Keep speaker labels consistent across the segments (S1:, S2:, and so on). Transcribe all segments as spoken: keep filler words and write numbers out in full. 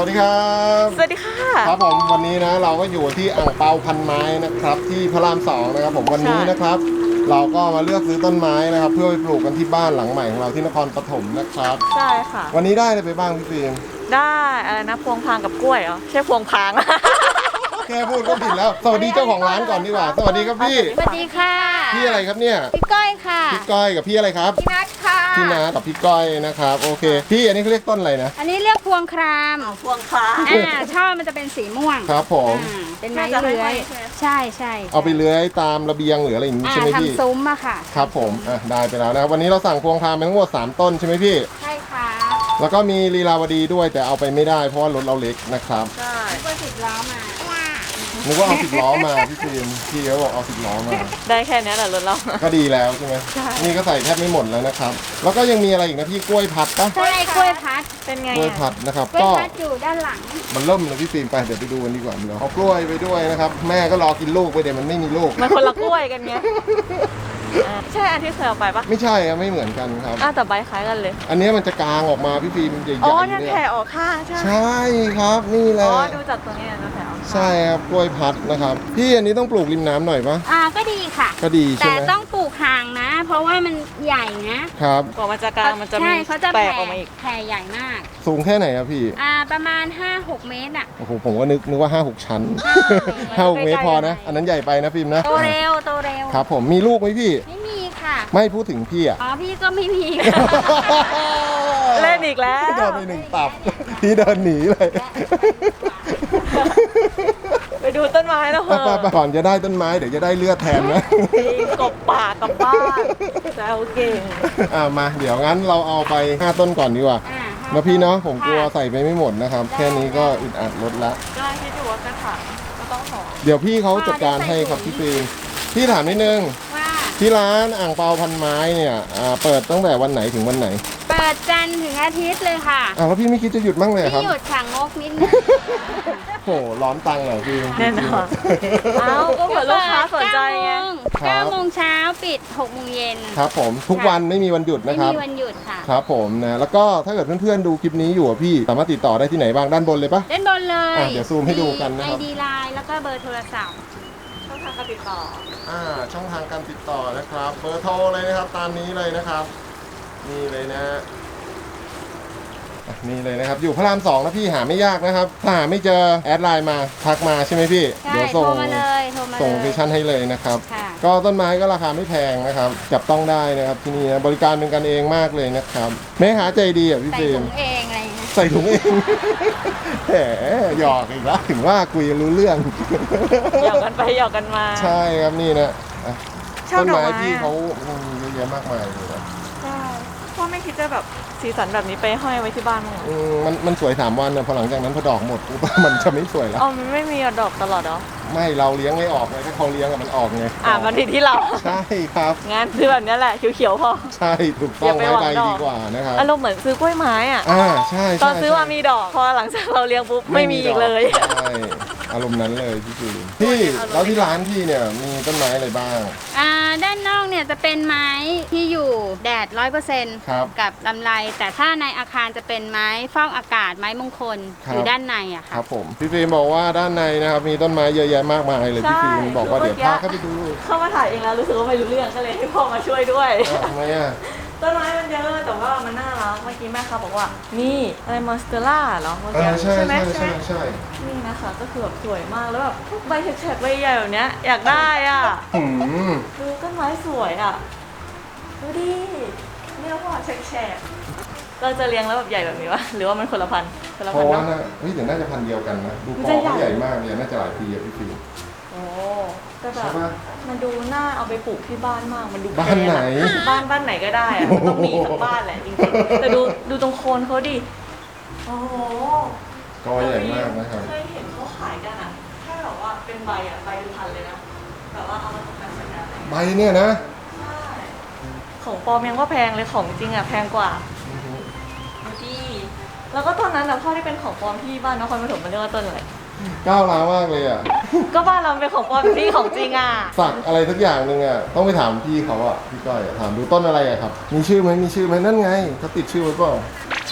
S1: วัสดีครับ
S2: สวัสดีค่ะ
S1: ครับผมวันนี้นะเราก็อยู่ที่อ่างเปาพันไม้นะครับที่พระรามสองนะครับผมวันนี้นะครับเราก็มาเลือกซื้อต้นไม้นะครับเพื่อไปปลูกกันที่บ้านหลังใหม่ของเราที่นครปฐมนะครับ
S2: ใช่ค่ะ
S1: วันนี้ได้อะไรไปบ้างพี่ฟิล์ม
S2: ได้อะไรนะพวงพางกับกล้วยเหรอใช่พวงพาง
S1: แค่พูดก็ผิดแล้วสวัสดีเจ้าของร้านก่อนดีกว่าสวัสดีครับพี่
S3: สวัสดีค่ะ
S1: พี่อะไรครับเนี่ย
S3: พี่ก้อยค่ะ
S1: พี่ก้อยกับพี่อะไรครับ
S3: พี่นัทค่ะ
S1: พี่นากับพี่ก้อยนะครับโอเคพี่อันนี้เขาเรียกต้นอะไรนะ
S3: อันนี้เรียกพวงคราม
S2: พวงพาง
S3: อ่าช่อมันจะเป็นสีม่วง
S1: ครับผม
S3: อ่าเป็นไม้เลื้อยใช่ใช่
S1: เอาไปเลื้อยตามระเบียงหรืออะไรอย่างนี้ใช่ไหมพี่
S3: ทำซุ้มอะค่ะ
S1: ครับผมอ่ะได้ไปแล้วนะครับวันนี้เราสั่งพวงครามไปทั้งหมดสามต้นใช่ไหมพี่
S3: ใช่ค่ะ
S1: แล้วก็มีลีลาวดีด้วยแต่เอาไปไม่ได้เพราะว่ารถเราเล็กนะครับ
S2: ใช่
S3: ก็สิบล้อมา
S1: นึกว่าเอาสิบล้อมาพี่ฟิล์มพี่เขาบอกเอาสิบล้อมา
S2: ได้แค่นี้แหละรถเรา
S1: ก็ดีแล้วใช่ไหม
S2: ใช่
S1: นี่ก็ใส่แทบไม่หมดแล้วนะครับแล้วก็ยังมีอะไรอีกนะพี่กล้วยพัดปะ
S3: ใช่กล้วยพัด
S2: เป็นไง
S1: กล้วยพัดนะครับ
S3: กล้วย
S1: ก็
S3: พัดอยู่ด้านหลัง
S1: มันเริ่มเลยพี่ฟิล์มไปเดี๋ยวไปดูกันดีกว่าเราเอากล้วยไปด้วยนะครับแม่ก็รอกินลูกไปเดี๋ยวมันไม่มีลูก
S2: มันคนละกล้วยกันไงใช่อันที่เคยเอาไปปะ
S1: ไม่ใช่ครับไม่เหมือนกันครับ
S2: อ้าวแต่ใบคล้ายกันเลย
S1: อันนี้มันจะกางออกมาพี่ฟิล์มใหญ่ๆ
S2: อ๋อ
S1: เนี่
S2: เนี่ย
S1: ย
S2: แผ่ออกข้างใช่
S1: ใช่ครับนี่แหละ
S2: อ๋อดูจากตัวนี้นะแผ่ออกข้าง
S1: ใช่ครับกล้วยพัดนะครับพี่อันนี้ต้องปลูกริมน้ำหน่อยปะ
S3: อ่าก็ดีค่ะ
S1: ก็ดีใช่
S3: แต่
S1: ไหม
S3: ต้องปลูกห่างนะ เพราะว่ามันใหญ่นะครับ
S2: กว่ามันจะกลางมันจะมี
S3: ใช่เขาจะ
S2: แปล
S3: แผ่
S2: กออกมาอีก
S3: แผ่ใหญ่มาก
S1: สูงแค่ไหนครับพี่
S3: อ่าประมาณ ห้าหก เมตรอ่ะ
S1: โอ้โหผมก็นึกนึกว่าห้าหกชั้นห้าหกเมตรพอนะอันนั้นใหญ่ไปนะฟิล์มนะ
S3: โตเร็วโตเร็ว
S1: ครับผมมีลูกไหมพี่
S3: ไม่มีค่ะ
S1: ไม่พูดถึงพี่อ่ะ
S3: อ๋อพี่ก็ไม่มี
S2: เล่นอีกแล้ว
S1: โดนไปหนึ่งตับพี่เดินหนีเลย
S2: ไปดูต้นไม้แล้วเหรอ
S1: ก่อนจะได้ต้นไม้เดี๋ยวจะได้เลือดแทนนะ
S2: กบป่ากลับบ้านแซวเก่ง
S1: อ่ามาเดี๋ยวงั้นเราเอาไปห้าต้นก่อนดีกว่านะพี่เนาะผมกลัวใส่ไปไม่หมดนะครับแค่นี้ก็อึดอัดลดละ
S2: ก็คิดอยู่ว่ากระถางก็ต้องห่อ
S1: เดี๋ยวพี่เขาจัดการให้ครับพี่ฟิล์มพี่ถามนิดนึงที่ร้านอ่างเปาพันไม้เนี่ยเปิดตั้งแต่วันไหนถึงวันไหน
S3: เปิดจันทร์ถึงอาทิตย์เลยค่ะ
S1: อ้าวแล้วพี่ไม่คิดจะหยุดบ้างเลยครับ
S3: พี่หยุดค่ะงกนิดนึง
S1: โหร้อนตังเหรอพี่
S2: แน่นอนเอ้าก็เผื่อลูกค้าสนใจไง
S3: เก้าโมงเช้าปิดหกโมงเย็น
S1: ครับผมทุกวันไม่มีวันหยุดนะครับ
S3: ไม่มีวันหยุดค่ะ
S1: ครับผมนะแล้วก็ถ้าเกิดเพื่อนๆดูคลิปนี้อยู่พี่สามารถติดต่อได้ที่ไหนบ้างด้านบนเลยปะ
S3: ด้านบนเลย
S1: เดี๋ยวซูมให้ดูกันนะครับ
S3: ไอ ดี ไลน์แล้วก็เบอร์โทรศัพท์
S2: ช่องทางการติดต่อ
S1: อ่าช่องทางการติดต่อนะครับเบอร์โทรเลยนะครับตามนี้เลยนะครับนี่เลยนะนี่เลยนะครับอยู่พระรามสองนะพี่หาไม่ยากนะครับถ้าหาไม่เจอแอดไลน์มาทักมาใช่ไหมพี่
S3: เดี๋ยวส่งมาเลย
S1: ส่งโลเคชั่นให้เลยนะครับก็ต้นไม้ก็ราคาไม่แพงนะครับจับต้องได้นะครับที่นี่นะบริการเป็นกันเองมากเลยนะครับแม่หาใจดีอ่ะพี่เฟรม
S3: ใส่ถุงเองอะไรเงี้ย
S1: ใส่ถุงเองแหมหยอกอีกแล้วถึงว่าคุยรู้เรื่อง
S2: หยอกกันไปหยอกกันมา
S1: ใช่ครับนี่นะต้นไม้พี่เขามีเยอะแยะมากมายเลยนะ
S2: ใช่พ่อไม่คิดจะแบบสีสันแบบนี้ไปห้อยไว้ที่บ้านมั้ง
S1: มันมันสวยสามวันนะพอหลังจากนั้นพอดอกหมดมันจะไม่สวยแล้ว
S2: อ๋อมันไม่มีดอกตลอดเหรอ
S1: ไม่เราเลี้ยงไม่ออกเลยถ้าเขาเลี้ยงมันออกไง
S2: อ่ามันผิดที่เรา
S1: ใช่ครับ
S2: งั้นคือแบบนี้แหละเขียวๆพอ
S1: ใช่ถูกต้องไม้ใบดีกว่านะครับ
S2: อารมณ์เหมือนซื้อกล้วยไม้อ่ะ
S1: อ่าใช่
S2: ตอนซื้อมามีดอกพอหลังจากเราเลี้ยงปุ๊บไม่มีอีกเลย
S1: ใช่อารมณ์นั้นเลยพี่คือพี่แล้วที่ร้านพี่เนี่ยมีต้นไม้อะไรบ้าง
S3: อ่าด้านนอกเนี่ยจะเป็นไม้ที่อยู่แดดร้อยเปอร์เซ็นต์กับลำไรแต่ถ้าในอาคารจะเป็นไม้ฟอกอากาศไม้มงคลอยู่ด้านในอะค่ะ
S1: ครับผมพี่ฟิล์มบอกว่าด้านในนะครับมีต้นไม้เยอะแยะมากมายเลยพี่ฟิล์มบอกว่าเดี๋ยวพาเข้าไปดู
S2: เข้ามาถ่ายเองแล้วรู้สึกว่าไม่รู้เรื่องก็เลยให้พ่อมาช่วยด้วย
S1: ทำไมอะ
S2: ต้นไม้มันเยอะแต่ว่ามันน่ารักเมื่อกี้แม่เขาบอกว่านี่อะไรมอนสเตอร่าเหรอเมื่อกี้
S1: ใช่ไหมใช่ใช่
S2: นี่นะคะก็คือแบบสวยมากแล้วแบบใบแฉกๆใบใหญ่แบบเนี้ยอยากได้อ่ะดูต้นไม้สวยอ่ะดูดินี่เราพ่อแฉกๆเราจะเลี้ยงแล้วแบบใหญ่แบบนี้วะหรือว่ามันคนละพันคนละ
S1: พันเพราะว่านะเฮ้ยแต่น่าจะพันเดียวกันนะดูกอเขาใหญ่มากเลยน่าจะหลายปีอะพี่ฟิล์ม
S2: โอ้แต่แบบมันดูน่าเอาไปปลูกที่บ้านมากมันดู
S1: บ้านไหน
S2: บ้านบ้านไหนก็ได้อะต้องมีสักบ้านแหละจริงๆแต่ดูดูตรงโคนเขาดิโอ้โห
S1: กอใหญ่มากนะครับ
S2: เคยเห็นเขาขายกันอ่ะแค่แบบว่าเป็นใบอ่ะใบเป็นพันเลยนะแบบว่าเอามาตกแต่งสวยงาม
S1: ใบเนี่ยนะ
S2: ใช่ของปลอมยังว่าแพงเลยของจริงอ่ะแพงกว่าดีแล้วก็ตอนนั้นอ่ะพ่อที่เป็นของปลอมที่บ้านนครปฐมมันเรียกว่าต้นอะไร
S1: ก้าวร้าวมากเลยอ่ะ
S2: ก็บ้านเราเป็นของปลอมที่ของจริงอ่ะ
S1: สักอะไรสักอย่างหนึ่งอ่ะต้องไปถามพี่เขาอ่ะพี่ก้อยถามดูต้นอะไรอ่ะครับมีชื่อไหมมีชื่อไหมนั่นไงเขาติดชื่อไว้เปล่า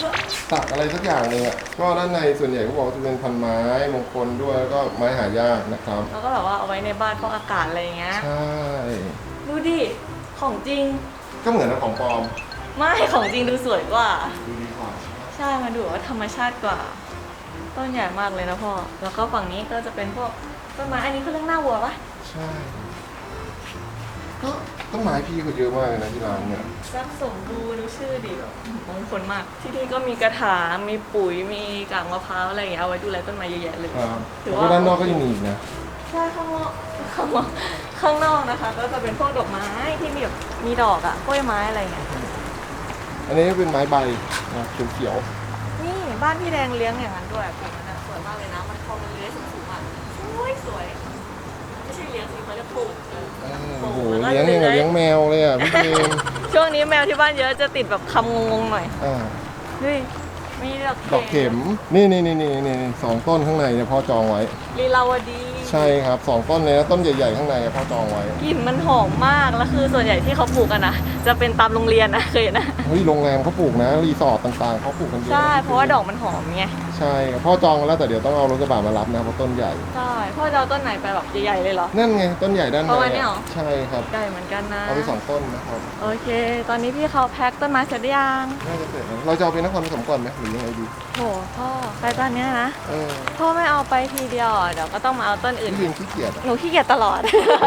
S1: สักอะไรสักอย่างหนึ่งอ่ะก็ด้านในส่วนใหญ่เขาบอกว่าจะเป็นพันไม้มงคลด้วยแล้วก็ไม้หายากนะครับ
S2: แล้วก็แบบว่าเอาไว้ในบ้านฟอกอากาศอะไรอย่างเงี้ย
S1: ใช่
S2: ดูดิของจริง
S1: ก็เหมือนกับของปลอม
S2: ไม่ของจริงดูสวยกว่า
S1: ดูดีกว่า
S2: ใช่มันดูว่าธรรมชาติกว่า ต้นใหญ่มากเลยนะพ่อแล้วก็ฝั่งนี้ก็จะเป็นพวกต้นไม้อันนี้คือเรื่องหน้าวัวปะ
S1: ใช่ก็ต้นไม้พี่เขาเยอะมากเลยนะที่ร้านเนี่ย
S2: รักสมบูรณ์ดูชื่อดิแบบมงคลมาก ที่นี่ก็มีกระถางมีปุ๋ยมีกากมะพร้าวอะไรอย่างเงี้ยเอาไว้ดูแลต้นไม้เยอะแยะเลย
S1: ครับ
S2: ถือ
S1: แล้ว
S2: ว่า
S1: ก็ด้านนอกก็ยังมีอีกนะ
S2: ใช่ข้างนอกข้างนอกข้างนอกนะคะ ก็จะเป็นพวกดอกไม้ที่มีแบบมีดอกอะกล้วยไม้อะไรเงี้ย
S1: อันนี้เป็นไม้ใบนะเขียว
S2: นี่บ้านพี่แดงเลี้ยงอย่างนั้นด้วยปลูกมันอะสวยมากเลยนะมันพอมันเลื้อยสูงๆอะสวยสวยไม่ใช่เลี้ยงสิเขาเรียกปลูก
S1: ๆเออโอ้โหเลี้ยงยังกับเลี้ยงแมวเลยอ่ะพี่เจมส์
S2: ช่วงนี้แมวที่บ้านเยอะจะติดแบบคำงงๆหน่อย
S1: อ่า
S2: ดูดิมีดอก
S1: ดอกเข็มนี่นี่นี่นี่นี่สองต้นข้างในเนี่ยพ่อจองไว้
S2: ลีลาวดี
S1: ใช่ครับสองต้นเลยนะต้นใหญ่ๆข้างในพ่อจองไว้
S2: กลิ่นมันหอมมากแล้วคือส่วนใหญ่ที่เขาปลูกกันนะจะเป็นตามโรงเรียนนะเคยเห็นนะ
S1: เฮ้ยโรงแรมเขาปลูกนะรีสอร์ทต่างๆเขาปลูกกันเยอะ
S2: ใช่เพราะว่าดอกมันหอมไง
S1: ใช่ครับพ่อจองแล้วแต่เดี๋ยวต้องเอารถกระบะมารับนะเพราะต้นใหญ่
S2: ใช่พ่อจะเอาต้นไหนไปแบบใหญ่ๆเลยเหรอ
S1: นั่นไงต้นใหญ่ด้านใน
S2: ประมาณนี้เหรอ
S1: ใช่ครับ
S2: ใหญ่เหมือนกันนะ
S1: เอาไปสองต้นนะครับ
S2: โอเค ตอนนี้พี่เขาแพ็คต้นไม้เสร็จหรือยัง
S1: น่าจะเสร็จแล้วเราจะเอาไปนครปฐมก่อนไหมหรือยังไงดี
S2: โหพ่อไปตอนเนี้ยนะ
S1: เออ
S2: พ่อไม่เอาไปทีเดียวอ่ะเดี๋ยวก็ต้องมาเอาต้นอื่น
S1: พี่ลิงขี้เกียจอะ
S2: หนูขี้เกียจตลอด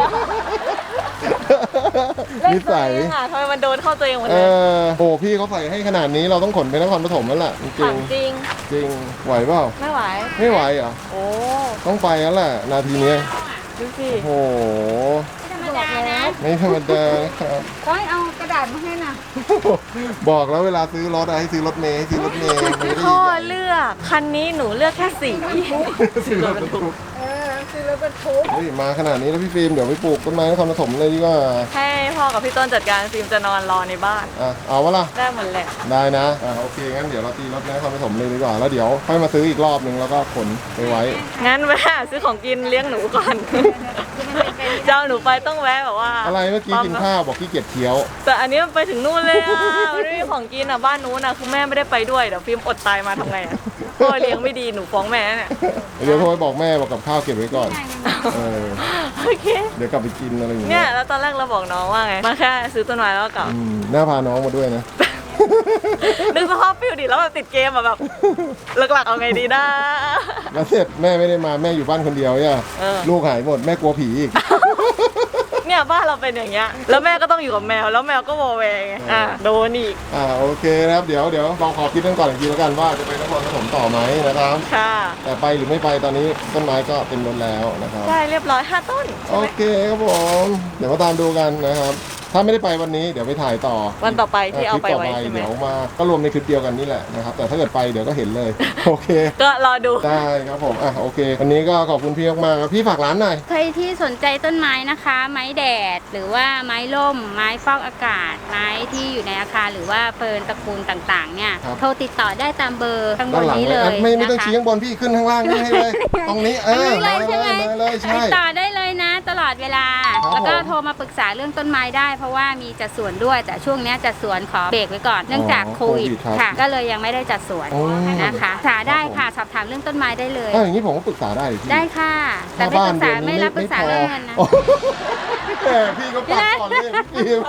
S1: นิสัย
S2: เล่นตัวเองอ่ะทำไมมันโดนเข้าตัวเองหมด
S1: เอ
S2: เลย
S1: อโอ้พี่เขาใส่ให้ขนาดนี้เราต้องขนไปนครปฐมแล้วล่ะจริ
S2: ถาง มจริง
S1: ๆจริงไหวเปล่า
S2: ไม่ไหว
S1: ไม่ไหวเหรอ
S2: โอ้
S1: ต้องไปแล้วแหละนาทีเนี้ย
S2: ดูสิ
S1: โอ้โห
S3: ไม่ธรรมดานะ
S1: ไม่ธรรมดานะครับ
S3: ก้อยเอากระดาษมาให้น่ะ
S1: บอกแล้วเวลาซื้อรถอะให้ซื้อรถเมย์ให้ซื้อรถเมย์ไม่ได้
S2: พ่อเลือกคันนี้หนูเลือกแค่สี
S1: ซื้อรถบรรทุก
S3: เออคือรถบรรทุก
S1: เฮ้ยมาขนาดนี้แล้วพี่ฟิล์มเดี๋ยวไปปลูกต้นไม้นครปฐมเลยดีกว่า
S2: ให้พ่อกับพี่ต้นจัดการฟิล์มจะนอนรอในบ้าน
S1: อ่ะเอาวะล่ะ
S2: ได้หมดแหละ
S1: ได้นะอ่ะโอเคงั้นเดี๋ยวเราตีรถนครปฐมเลยดีกว่าแล้วเดี๋ยวค่อยมาซื้ออีกรอบนึงแล้วก็ขนไปไว้
S2: งั้นแวะซื้อของกินเลี้ยงหนูก่อน เจ้าหนูไปต้องแวะแบบว่า
S1: อะไรเมื่อกี้กินข้าวบอกขี้เกียจเคี้ยว
S2: แต่อันนี้มันไปถึงนู่นเลยอ่ะมันไม่มีของกินอ่ะบ้านนู้นอ่ะคือแม่ไม่ได้ไปด้วยเดี๋ยวฟิล์มอดตายมาทำไงอ่ะพ่อเลี้ยงไม่ดีหนูฟ้องแม่เนี่ย
S1: เดี๋ยวโทรไปบอกแม่บอกกับข้าวเก็บไว้ก่อนเออ
S2: โอเค
S1: เดี๋ยวกลับไปกินอะไรอย่าง
S2: เนี่
S1: เงี้
S2: ย
S1: ย
S2: แล้วตอนแรกเราบอกน้องว่าไงมาแค่ซื้อต้นไม้แล้วก็กลับ
S1: อืมน่าพาน้องมาด้วยนะ
S2: นึกสภาพฟิลดิแล้วแบบติดเกมอ่ะแบบหลักๆเอาไงดีนะ
S1: แล้วเสร็จแม่ไม่ได้มาแม่อยู่บ้านคนเดียวเนี่ย
S2: เออ
S1: ลูกหายหมดแม่กลัวผีอีก
S2: เนี่ยบ้านเราเป็นอย่างเงี้ยแล้วแม่ก็ต้องอยู่กับแมวแล้วแมวก็โวแวงไงอ่ะโดนอีก
S1: อ่าโอเคนะครับเดี๋ยวเดี๋ยวลองขอคิดกันก่อนอีกทีแล้วกันว่าจะไปนครปฐมต่อไหมนะครับ
S2: ค่ะ
S1: แต่ไปหรือไม่ไปตอนนี้ต้นไม้ก็เต็มรถแล้วนะครับ
S2: ได้เรียบร้อยห้าต้น
S1: โอเคครับผมเดี๋ยวมาตามดูกันนะครับ ถ้าไม่ได้ไปวันนี้เดี๋ยวไปถ่ายต่อ
S2: วันต่อไปที่เอาไป
S1: คลิปต่
S2: ไว้
S1: อ
S2: ใช่ไหม
S1: เดี๋ยวมาก็รวมในคลิปเดียวกันนี่แหละนะครับแต่ถ้าเกิดไปเดี๋ยวก็เห็นเลย โอเค
S2: ก็รอดู
S1: ได้ครับผมอ่ะโอเค วันนี้ก็ขอบคุณพี่มากๆครับพี่ฝากร้านหน่อย
S3: ใครที่สนใจต้นไม้นะคะ ไม้แดด หรือว่าไม้ร่ม ไม้ฟอกอากาศ ไม้ที่อยู่ในอาคารหรือว่าเฟิร์นตระกูลต่างๆเนี่ย
S1: ครับ
S3: โทรติดต่อได้ตามเบอร์ข้างบ
S1: ด้าน
S3: น
S1: หลัง
S3: นี้
S1: เล
S3: เลย ย
S1: อ่ะไม่ไม่ต้อง
S3: นะคะ
S1: ชี้ข้างบนพี่ขึ้นข้างล่างนี่ให้เลย ตรงนี้เออ
S3: ตรงนี้เลยใช่ไหม
S1: มาเลยใช่
S3: ติดต่อได้เลยนะ ตลอดเวลา
S1: ครับ
S3: แล้วก็
S1: ผม
S3: โทรมาปรึกษาเรื่องต้นไม้ได้ เพราะว่ามีจัดสวนด้วยแต่ช่วงเนี้ยจัดสวนขอเบรกไว้ก่อนเนื่องจาก
S1: อ๋อ
S3: โควิด
S1: โควิดครับ
S3: ค่ะ ก็เลยยังไม่ได้จัดสวน
S1: โอ้
S3: นะคะปรึกษาได้ค่ะสอบถามเรื่องต้นไม้ได้เลย
S1: ถ้าอย่างนี้ผมก็ปรึกษาได้พี่
S3: ได้ค่ะ แต่ไม่ปรึกษาไม่รับปรึกษาเรื่องเงินนะ
S1: โอ้แหมพี่ก็ปักก่อนเลยพี่ฟิล์ม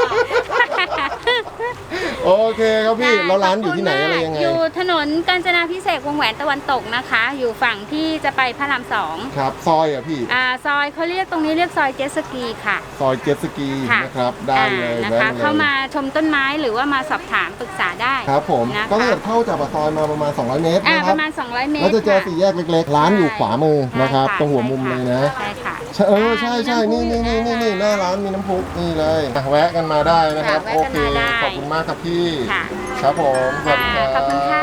S1: โอเคครับพี่แล้วร้านอยู่ที่ไหนอะไรยังไง
S3: อยู่ถนนกาญจนาพิเศษกวงแหวนตะวันตกนะคะ อยู่ฝั่งที่จะไปพระรามสอง
S1: ครับซอยอ่ะพี่
S3: อ่าซอยเขาเรียกตรงนี้เรียกซอยเจตสกีค่ะ
S1: ซอยเจ็ตสกี
S3: ค่ะ
S1: นะครับได้เลย
S3: อ่านะ
S1: แวะ
S3: คะ
S1: ลย
S3: เข้ามาชมต้นไม้หรือว่ามาสอบถามปรึกษาได้
S1: ครับผม
S3: นะคะ
S1: ก็ถ้าเกิดเข้าจากปากซอยมาประมาณสองร้อยเมตร
S3: อ่า
S1: นะค
S3: ป
S1: รับ
S3: ระมาณสองร้อยเมตร
S1: แล้วจะเจอ
S3: ค่ะ
S1: สี่แยกเล็กๆ ร้านอยู่ขวามือนะครับ
S3: ใช่
S1: ตรงหัวมุมเลยนะ
S3: ใช่ค่ะ
S1: ใช่เออใช่ใช่นี่นี่นี่นี่นี่หน้าร้านมีน้ำพุนี่เลยอ่ะแวะกันมาได้นะครับ
S3: ค่ะ
S1: โอ
S3: แวะกัน
S1: เค
S3: มาได้
S1: ขอบคุณมากครับพี่
S3: ค่ะ
S1: ครับผมสวัสดี
S3: ค่ะ
S1: ครับ
S3: ขอบคุณค่ะ